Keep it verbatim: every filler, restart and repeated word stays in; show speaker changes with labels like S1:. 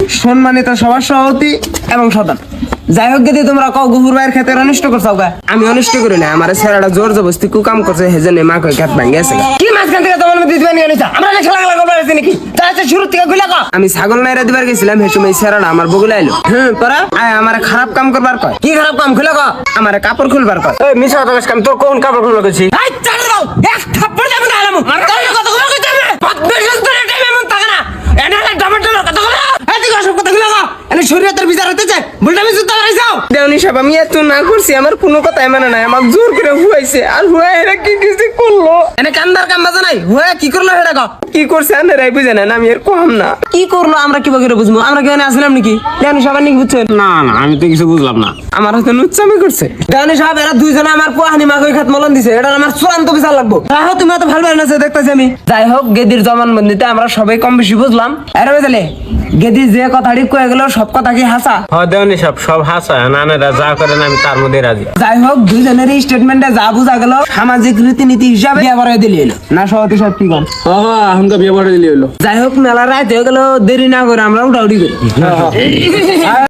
S1: সম্মানিত সবার সভাপতি এবং সদন। যাই হোক গেদি তোমরা কও গুহুর ভাইয়ের ক্ষেতের অনিষ্ট করছাও গা। আমি অনিষ্ট করি না, আমার ছেলেটা জোর জবস্তি কুকাম করছে, হেজনে মা কই ক্ষেত ভাঙে গেছে। কি মাঝখান থেকে তোমার মধ্যে দিবানি আনিছা? আমরা না খেলা খেলা করবার আছে নাকি? তাহলে শুরু থেকে কইলা কও। আমি ছাগল নাইরা দিবার গেছিলাম, হে সময় ছেলেটা আমার বগুলা আইলো। হ্যাঁ পরা আয় আমার খারাপ কাম করবার কয়। কি খারাপ কাম খুলা কও? আমার কাপড় খুলবার কয়। এই মিছা কথা কাম তোর কোন কাপড় খুলবার কইছি? এই চাল দাও এক থাপ্পড় দেব না আলামু। মার তোর কথা কইবা কইতে হবে। বদবেশ করে টাইম এমন থাকে না। এনা না টমেটো কথা কইলা। এই তুই সব কথা কইলা কও। এনে শরীয়তের বিচার হতে চায়। বলটা আমি জুতা রাইছাও। দেওনি সাহেব আমি এত না করছি, আমার কোনো কথাই মানে নাই। আমার জোর করে হুয়াইছে, আর হুয়া এরা কি কিছু করলো? এনে কান্দার কাম বাজা নাই। হুয়া কি করলো সেটা কও। কি করছে আনেরাই বুঝে না, আমি এর কম না। কি করলো আমরা কি করে বুঝবো? আমরা কি এখানে আসলাম নাকি? দেওনি সাহেব নাকি বুঝছেন?
S2: না না আমি তো কিছু বুঝলাম না।
S1: আমার হাতে নুচ্চামি করছে। দেওনি সাহেব এরা দুইজনে আমার পোহানি মাকই খাত মলন দিছে। এটা আমার চূড়ান্ত বিচার লাগবো। রাহো তুমি এত ভালো না দেখতেছি আমি। যাই হোক গেদির জবানবন্দিতে আমরা সবাই কম বেশি বুঝলাম। এর বুঝলে গেদি যে কথাটি কয়ে গেল সব কথা কি হাসা?
S2: হ্যাঁ দেওনি সব সব হাসা, নানেরা যা করেন আমি তার মধ্যে রাজি।
S1: যাই হোক দুইজনের স্টেটমেন্টে যা বোঝা গেল সামাজিক রীতিনীতি হিসাবে বিয়ে করে দিলি এলো না। সভাপতি সাহেব কি কন?
S2: হ্যাঁ এখনকার বিয়ে পড়ে দিলি হলো।
S1: যাই হোক মেলা রাত হয়ে গেল, দেরি না করে আমরা উঠাউটি করি।